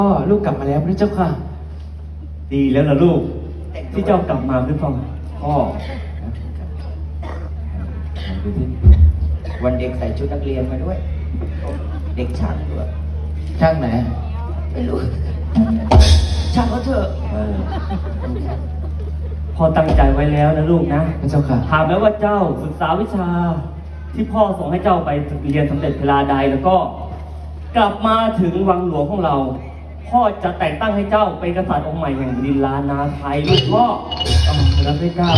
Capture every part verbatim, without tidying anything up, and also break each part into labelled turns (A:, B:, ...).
A: พ่อลูกกลับมาแล้วพระเจ้าค่ะดีแล้วล่ะลูกที่เจ้ากลับมาหรือเปล่าพ่อ
B: วันเด็กใส่ชุดนักเรียนมาด้วยเด็กช่างด้วย
A: ช่างไหน
B: ไม่รู้ช่างก็เถอะ
A: พอตั้งใจไว้แล้วนะลูกนะพระเจ้าค่ะถามแล้วว่าเจ้าศึกษาวิชาที่พ่อส่งให้เจ้าไปเรียนสำเร็จเวลาใดแล้วก็กลับมาถึงวังหลวงของเราพ่อจะแต่งตั้งให้เจ้าเป็นกษัตริย์องค์ใหม่แห่งดินลานาไทยลูกพ่อรับไม่กล้า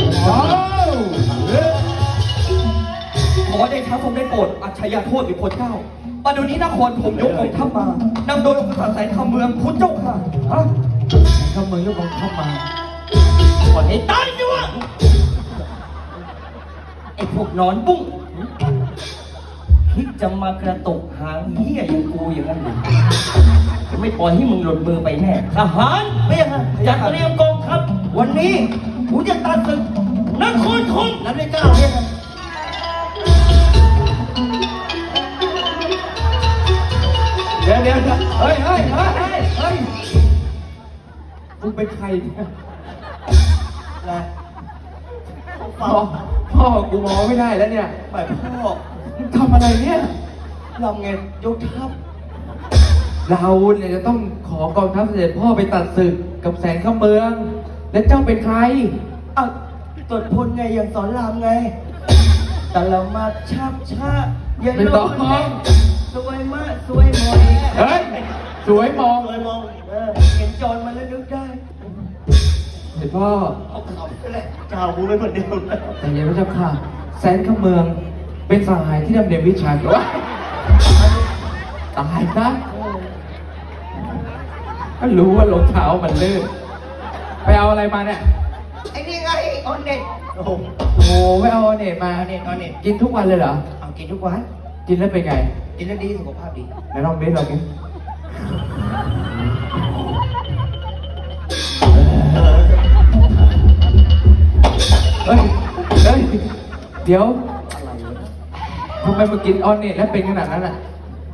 B: ขอได้ท้าทรงได้โปรดอัจฉริยะโทษอีกคนเจ้าปัจจุบันนี้นครผมยกกองทัพมานำโดยองค์กษัตริย์แสนคำเมืองพุทธเจ้าค่ะฮะ
A: คำเมืองยกกองทัพมา
B: ก่อนให้ตายสิวะไอ้พวกนอนบุ้งคิดจะมากระตุกหางเหี้ยอย่างกูอย่างนั้นเลยไม่ปล่อยให้มึงหลุดมือไปแน่ทหารไม่ยังจัดเตรียมกองทัพวันนี้กูจะตัดศึกนครธมนั้นได้เก้าเนี่ย
A: เดี๋ยวเดี๋ยวเฮ้ยเฮ้ยเฮ้ยเฮ้ยมึงเป็นใครเนี่ยอะไรพ่อพ่อกูมองไม่ได้แล้วเนี่ย
B: แบบพ่อ
A: มึงทำอะไรเนี่ย
B: เราไงยกทัพ
A: เราเนี่ยจะต้องขอกองทัพเสด็จพ่อไปตัดศึกกับแสนข้าเมืองและเจ้าเป็นใคร
B: อ่ะตรวจพลไงอย่างสอนรามไงแต่เรามาชับชาอย่าลงสวยมากสวยมอง
A: เฮ้ยสวยมอง
B: สวยมองเออเห็นจอนมาแล้วนึกได้
A: เสด็จพ่อ
B: เอาเขาไปเลยเจ้าบูไม่เหมือนเดิมแล้ว
A: แต่ยังไม่เจ้าค่ะแสนข้าเมืองเป็นสหายที่ดำเนินวิชาแต่ว่าตายนะก็รู้ว่ารองเท้ามันลื่นไปเอาอะไรมาเนี่ย
B: ไอ้นี่ไงออนเน็ตโอ้
A: โหไม่เอาออนเน็ตมา
B: ออนเน็ตออนเน็ต
A: กินทุกวันเลยเหรอ
B: เอากินทุกวัน
A: กินแล้วเป็นไง
B: กินแล้วดีสุขภาพดี
A: ไหนลองเบสเรากินเฮ้ยเฮ้ยเดี๋ยวทำไมมากินออนเน็ตแล้วเป็นขนาดนั้นอ่ะ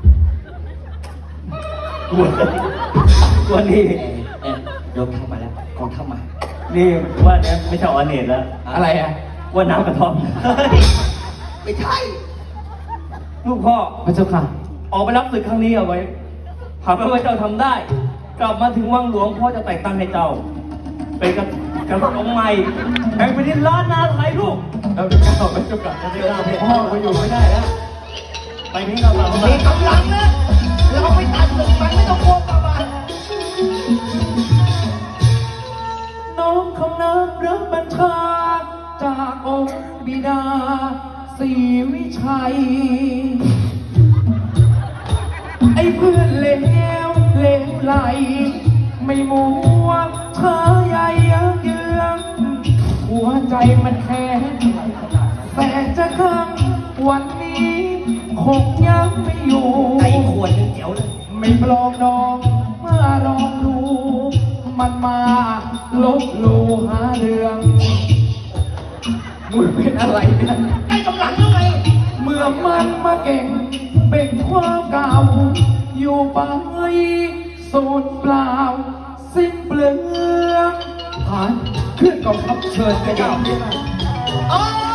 B: กลัวกลัวนี่เออโดนเข้ามาแล้วกองเข้ามา
A: นี่ว่าเนี่ยไม่ใช่ออนเน็ตแล้วอะไรอ่ะว่าน้ำกระท่อม
B: ไม่ใช่
A: ลูกพ่อพระเจ้าค่ะออกไปรับศึกครั้งนี้เอาไว้หากว่าเจ้าทำได้กลับมาถึงวังหลวงพ่อจะแต่งตั้งให้เจ้าเป็นกษัตริย์องค์ใหม่แห่งแผ่นดินล้านนาไทยลูกเราจะก้าวไปเจ้ากลับจะได้ก้าวไปพ่อไปอยู่ไม่ได้แล้วไปนี้เราแบบ
B: มีกำลังนะเราไปตัดศึกมันไม่ต้องกลัวกับมัน
A: น้องคำนับรับบัญชาจากองค์บิดาศรีวิชัยไอ้เพื่อนเลวเลวไหลไม่มัวเธอใหญ่เยืองหัวใจมันแข็งแต่จะข้างวันนี้คงยังไม่อยู่
B: ไอ้ขวดยังเจ๋วเลย
A: ไม่ปลองดองเมื่อลองดูมันมาลบลูหาเรื่องมึงเป็นอะไรเนี่ย
B: ไอ้กำลังยังไง
A: เมื่อมันมาเก่งเป็นความเก่าอยู่ไปสูญเปล่าสิ้นเปลืองผ่านเคลื่อนกองทัพเชิญไปเจ้า